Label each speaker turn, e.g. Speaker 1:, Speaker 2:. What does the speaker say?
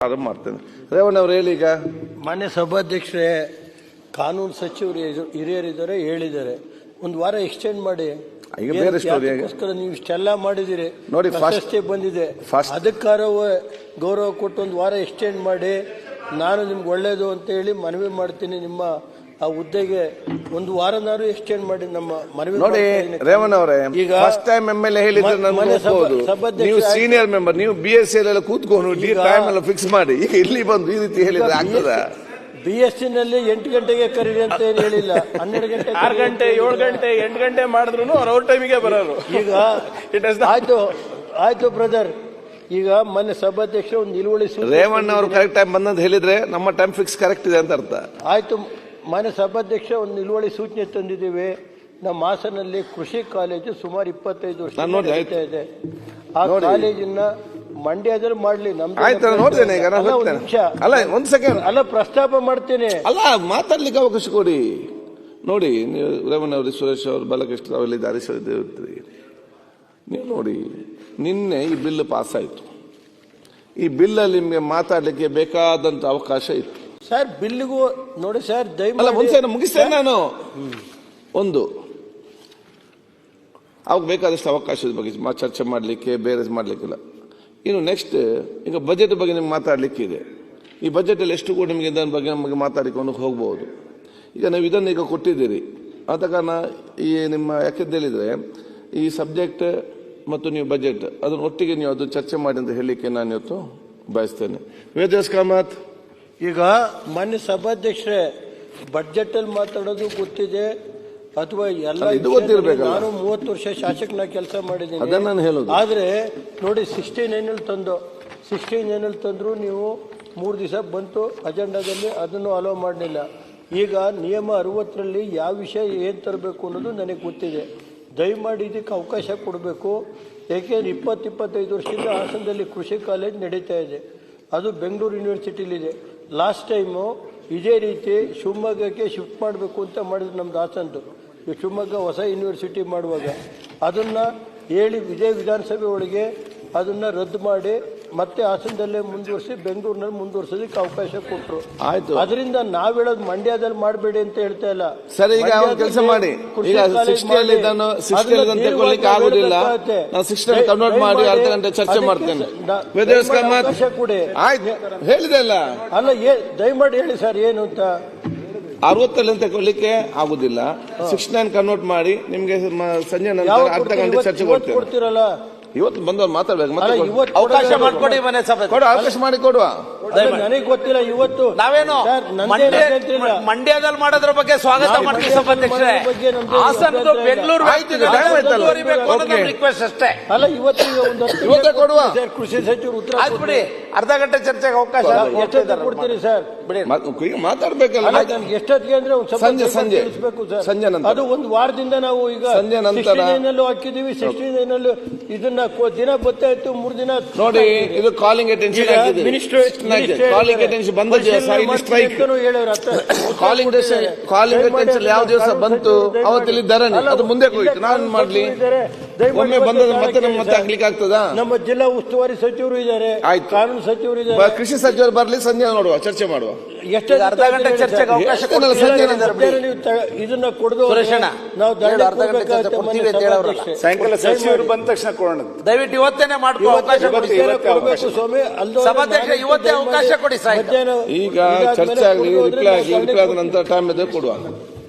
Speaker 1: ಆರಂಭ ಮಾಡ್ತೇನೆ. ರೇವಣ್ಣ ಅವರು ಹೇಳಿ. ಈಗ
Speaker 2: ಮಾನ್ಯ ಸಭಾಧ್ಯಕ್ಷರೇ, ಕಾನೂನು ಸಚಿವರು ಹಿರಿಯರಿದ್ದಾರೆ, ಹೇಳಿದ್ದಾರೆ, ಒಂದು ವಾರ ಎಕ್ಸ್ಟೆಂಡ್ ಮಾಡಿ.
Speaker 1: ಈಗ ಬೇರೆ
Speaker 2: ಅದಕ್ಕೋಸ್ಕರ ನೀವು ಇಷ್ಟೆಲ್ಲ ಮಾಡಿದಿರಿ,
Speaker 1: ನೋಡಿ,
Speaker 2: ಪ್ರಶಸ್ತಿ ಬಂದಿದೆ, ಅದಕ್ಕಾರ ಗೌರವ ಕೊಟ್ಟು ಒಂದು ವಾರ ಎಕ್ಸ್ಟೆಂಡ್ ಮಾಡಿ. ನಾನು ನಿಮ್ಗೆ ಒಳ್ಳೇದು ಅಂತ ಹೇಳಿ ಮನವಿ ಮಾಡ್ತೀನಿ. ನಿಮ್ಮ ಆ ಹುದ್ದೆಗೆ ಒಂದು ವಾರನಾರು ಎಕ್ಸ್ಟೆಂಡ್ ಮಾಡಿ ನಮ್ಮ ಮನವಿ.
Speaker 1: ನೋಡಿ ರೇವಣ್ಣ ಅವರೇ, ಈಗ ಫಸ್ಟ್ ಟೈಮ್ ಎಮ್ಎಲ್ಎ ಹೇಳಿದ್ರೆ ನೀವು ಸೀನಿಯರ್ ಮೆಂಬರ್, ನೀವು BSc ಎಲ್ಲ ಕೂತ್ಕೊಂಡು ಟೈಮ್ ಎಲ್ಲ ಫಿಕ್ಸ್ ಮಾಡಿ. ಈಗ ಇಲ್ಲಿ ಬಂದು ಈ ರೀತಿ ಹೇಳಿದ್ರೆ ಆಗ್ತದ?
Speaker 2: BSc ನಲ್ಲಿ 8 ಗಂಟೆಗೆ ಕರೀರಿ ಅಂತ ಏನು ಹೇಳಿಲ್ಲ, 12 ಗಂಟೆ,
Speaker 3: 6 ಗಂಟೆ, 7 ಗಂಟೆ, 8 ಗಂಟೆ ಮಾಡಿದ್ರು ಅವ್ರ ಟೈಮಿಗೆ ಬರೋರು.
Speaker 2: ಈಗ ಆಯ್ತು ಬ್ರದರ್. ಈಗ ಮೊನ್ನೆ ಸಭಾಧ್ಯಕ್ಷ ಒಂದು ನಿಲುವಳಿ
Speaker 1: ರೇವಣ್ಣ ಅವರು ಕರೆಕ್ಟ್ ಟೈಮ್ ಬಂದಂತ ಹೇಳಿದ್ರೆ ನಮ್ಮ ಟೈಮ್ ಫಿಕ್ಸ್ ಕರೆಕ್ಟ್ ಇದೆ ಅಂತ ಅರ್ಥ.
Speaker 2: ಆಯ್ತು, ಮಾನ್ಯ ಸಭಾಧ್ಯಕ್ಷ ಒಂದು ನಿಲುವಳಿ ಸೂಚನೆ ತಂದಿದ್ದೀವಿ. ನಮ್ಮ ಹಾಸನಲ್ಲಿ ಕೃಷಿ ಕಾಲೇಜು ಸುಮಾರು 25 ವರ್ಷ ಇದೆ. ಆ ಕಾಲೇಜನ್ನ ಮಂಡ್ಯದಲ್ಲಿ ಮಾಡ್ಲಿ.
Speaker 1: ನೋಡ್ತೇನೆ ಈಗ, ಅಲ್ಲ ಒಂದ್ ಸೆಕೆಂಡ್,
Speaker 2: ಅಲ್ಲ ಪ್ರಸ್ತಾಪ ಮಾಡ್ತೇನೆ,
Speaker 1: ಅಲ್ಲ ಮಾತಾಡ್ಲಿಕ್ಕೆ ಅವಕಾಶ ಕೊಡಿ. ನೋಡಿ, ನೀವು ರೇವಣ್ಣ ಅವರು, ಸುರೇಶ್ ಅವರು, ಬಾಲಕೃಷ್ಣ ಅವರಲ್ಲಿ ಧಾರಿಸಿದ್ರಿ. ನೀವು ನೋಡಿ, ನಿನ್ನೆ ಈ ಬಿಲ್ ಪಾಸ್ ಆಯ್ತು. ಈ ಬಿಲ್ಲಲ್ಲಿ ನಿಮ್ಗೆ ಮಾತಾಡ್ಲಿಕ್ಕೆ ಬೇಕಾದಂತ ಅವಕಾಶ ಇತ್ತು
Speaker 2: ಸರ್. ಬಿಲ್ಗೂ ನೋಡಿ ಸರ್,
Speaker 1: ದಯಮಾಡಿ ಮುಗಿಸ್ತೇನೆ ನಾನು. ಒಂದು ಅವಾಗ ಬೇಕಾದಷ್ಟು ಅವಕಾಶದ ಬಗ್ಗೆ ಚರ್ಚೆ ಮಾಡಲಿಕ್ಕೆ, ಬೇರೆ ಮಾಡಲಿಕ್ಕಿಲ್ಲ. ಇನ್ನು ನೆಕ್ಸ್ಟ್, ಈಗ ಬಜೆಟ್ ಬಗ್ಗೆ ನಿಮ್ಗೆ ಮಾತಾಡಲಿಕ್ಕೆ ಇದೆ. ಈ ಬಜೆಟಲ್ಲಿ ಎಷ್ಟು ಕೂಡ ನಿಮಗೆ ಇದರ ಬಗ್ಗೆ ನಮಗೆ ಮಾತಾಡಿಕೊಂಡು ಹೋಗ್ಬೋದು. ಈಗ ನೀವು ಇದನ್ನು ಈಗ ಕೊಟ್ಟಿದ್ದೀರಿ, ಆದ ಕಾರಣ ಈ ನಿಮ್ಮ ಯಾಕೆಂತ ಹೇಳಿದರೆ ಈ ಸಬ್ಜೆಕ್ಟ್ ಮತ್ತು ನೀವು ಬಜೆಟ್ ಅದನ್ನು ಒಟ್ಟಿಗೆ ನೀವು ಅದು ಚರ್ಚೆ ಮಾಡಿ ಅಂತ ಹೇಳಲಿಕ್ಕೆ ನಾನು ಇವತ್ತು ಬಯಸ್ತೇನೆ. ವೇದವ್ಯಾಸ್ ಕಾಮತ್.
Speaker 2: ಈಗ ಮಾನ್ಯ ಸಭಾಧ್ಯಕ್ಷರೇ, ಬಡ್ಜೆಟ್ ಅಲ್ಲಿ ಮಾತಾಡೋದು ಗೊತ್ತಿದೆ ಅಥವಾ ಎಲ್ಲ ನಾನು 30 ವರ್ಷ ಶಾಸಕನಾಗಿ ಕೆಲಸ ಮಾಡಿದ್ದೀನಿ. ಆದ್ರೆ ನೋಡಿ, 69 ತಂದ್ರು ನೀವು 3 ದಿವಸ ಬಂತು ಅಜೆಂಡಾದಲ್ಲಿ, ಅದನ್ನು ಅಲೋ ಮಾಡಲಿಲ್ಲ. ಈಗ ನಿಯಮ 60ರಲ್ಲಿ ಯಾವ ವಿಷಯ ಏನು ತರಬೇಕು ಅನ್ನೋದು ನನಗೆ ಗೊತ್ತಿದೆ. ದಯಮಾಡಿ ಇದಕ್ಕೆ ಅವಕಾಶ ಕೊಡಬೇಕು. ಏಕೆಂದರೆ 20-25 ವರ್ಷದಿಂದ ಹಾಸನದಲ್ಲಿ ಕೃಷಿ ಕಾಲೇಜ್ ನಡೀತಾ ಇದೆ. ಅದು ಬೆಂಗಳೂರು ಯೂನಿವರ್ಸಿಟಿಲಿದೆ. ಲಾಸ್ಟ್ ಟೈಮು ಇದೇ ರೀತಿ ಶಿವಮೊಗ್ಗಕ್ಕೆ ಶಿಫ್ಟ್ ಮಾಡಬೇಕು ಅಂತ ಮಾಡಿದ್ರು ನಮ್ದು ಹಾಸನದ್ದು. ಶಿವಮೊಗ್ಗ ಹೊಸ ಯೂನಿವರ್ಸಿಟಿ ಮಾಡುವಾಗ ಅದನ್ನು ಹೇಳಿ ಇದೇ ವಿಧಾನಸಭೆ ಒಳಗೆ ಅದನ್ನು ರದ್ದು ಮಾಡಿ ಮತ್ತೆ ಹಾಸನದಲ್ಲೇ ಮುಂದುವರಿಸಿ ಬೆಂಗಳೂರಿನಲ್ಲಿ ಮುಂದುವರಿಸೋದಕ್ಕೆ ಅವಕಾಶ ಕೊಟ್ಟರು.
Speaker 1: ಆಯ್ತು,
Speaker 2: ಅದರಿಂದ ನಾವ್ ಹೇಳೋದು ಮಂಡ್ಯದಲ್ಲಿ ಮಾಡಬೇಡಿ ಅಂತ ಹೇಳ್ತಾ ಇಲ್ಲ
Speaker 1: ಸರ್. ಈಗ ಕೆಲಸ ಮಾಡಿ, ಈಗ 60 ತಗೊಳ್ಳಿಕ್ಕೆ ಆಗುದಿಲ್ಲ, ನಾನು 60 ಕನ್ವರ್ಟ್ ಮಾಡಿ ಅರ್ಧ ಗಂಟೆ ಚರ್ಚೆ ಮಾಡ್ತೇನೆ.
Speaker 2: ಅವಕಾಶ ಕೊಡಿ.
Speaker 1: ಆಯ್ತು, ಹೇಳಿದೆ ಅಲ್ಲ.
Speaker 2: ಅಲ್ಲ, ದಯಮಾಡಿ ಹೇಳಿ ಸರ್ ಏನು ಅಂತ.
Speaker 1: 60 ತಗೊಳ್ಳಿಕ್ಕೆ ಆಗುದಿಲ್ಲ, 69 ಕನ್ವರ್ಟ್ ಮಾಡಿ ನಿಮ್ಗೆ ಸಂಜೆ ನಂತರ ಅರ್ಧ ಗಂಟೆ ಚರ್ಚೆ
Speaker 2: ಕೊಡ್ತೀರಲ್ಲ.
Speaker 1: ಇವತ್ತು ಬಂದವರು ಮಾತಾಡ್ಬೇಕು,
Speaker 3: ಅವಕಾಶ ಮಾಡಿಕೊಡಿ.
Speaker 1: ಅವಕಾಶ ಮಾಡಿ ಕೊಡುವ.
Speaker 2: ನನಗೆ ಗೊತ್ತಿಲ್ಲ ಇವತ್ತು
Speaker 3: ನಾವೇನು ಮಂಡ್ಯದಲ್ಲಿ ಮಾಡೋದ್ರ ಬಗ್ಗೆ ಸ್ವಾಗತ ಮಾಡ್ತೀವಿ ಸಭಾಧ್ಯಕ್ಷರೇ. ಹಾಸನದ್ದು ಬೆಂಗಳೂರು ರಿಕ್ವೆಸ್ಟ್ ಅಷ್ಟೇ.
Speaker 2: ಅಲ್ಲ,
Speaker 1: ಇವತ್ತೇ ಕೊಡುವ.
Speaker 2: ಕೃಷಿ ಸಚಿವರು ಉತ್ತರ
Speaker 3: ಬಿಡಿ, ಅರ್ಧ ಗಂಟೆ ಚರ್ಚೆಗೆ ಅವಕಾಶ
Speaker 2: ಕೊಡ್ತೀರಿ ಸರ್.
Speaker 1: ಬಿಡಿ, ಮಾತಾಡ್ಬೇಕಲ್ಲ.
Speaker 2: ನನ್ಗೆ ಎಷ್ಟೊತ್ತಿಗೆ ಅಂದ್ರೆ
Speaker 1: ಸಂಜೆ ನಂತರ,
Speaker 2: ಅದು ಒಂದು ವಾರದಿಂದ ನಾವು ಈಗ
Speaker 1: ಸಂಜೆ ನಂತರ
Speaker 2: ಹಾಕಿದೀವಿ. 69 ಇದನ್ನ ದಿನ ಗೊತ್ತಾಯ್ತು, 3 ದಿನ
Speaker 1: ನೋಡಿ. ಇದು ಕಾಲಿಂಗ್ ಅಟೆನ್ಷನ್ ಕಾಲಿಂಗ್ ಅಟೆನ್ಷನ್ ಬಂದ ದಿವಸ ಇಲ್ಲಿ ಸ್ಟ್ರೈಕ್, ಕಾಲಿಂಗ್ ಅಟೆನ್ಷನ್ ಯಾವ ದಿವಸ ಬಂತು ಅವತ್ತಿಲ್ಲಿ ಧರಣಿ, ಅದು ಮುಂದೆ ಹೋಯ್ತು. ನಾನು ಮಾಡ್ಲಿ, ಒಮ್ಮೆ ಬಂದ ಮತ್ತೆ ಮತ್ತೆ ಆಗ್ಲಿಕ್ಕೆ ಆಗ್ತದಾ?
Speaker 2: ನಮ್ಮ ಜಿಲ್ಲಾ ಉಸ್ತುವಾರಿ ಸಚಿವರು ಇದ್ದಾರೆ, ಕಾನೂನು ಸಚಿವರು ಇದ್ದಾರೆ,
Speaker 1: ಕೃಷಿ ಸಚಿವರು ಬರ್ಲಿ, ಸಂಜೆ ನೋಡುವ, ಚರ್ಚೆ ಮಾಡುವ.
Speaker 3: ಎಷ್ಟು ಅರ್ಧ ಗಂಟೆ ಚರ್ಚೆಗೆ ಅವಕಾಶ
Speaker 2: ಇದನ್ನ ಕೊಡದು ನಾವು
Speaker 3: ಸಾಯಂಕಾಲ ಸಚಿವರು ಬಂದ ತಕ್ಷಣ ಕೊಡೋಣ. ದಯವಿಟ್ಟು ಇವತ್ತೇನೆ ಮಾಡ್ಕೊ, ಅವಕಾಶ ಕೊಡಿ
Speaker 2: ಸ್ವಾಮಿ.
Speaker 3: ಸಭಾಧ್ಯಕ್ಷ ಇವತ್ತೇ ಅವಕಾಶ ಕೊಡಿ.
Speaker 1: ಈಗ ಚರ್ಚೆ ಆಗಲಿ, ರಿಪ್ಲೈ ಆದ ನಂತರ ಟೈಮ್ ಇದೆ ಕೊಡುವ.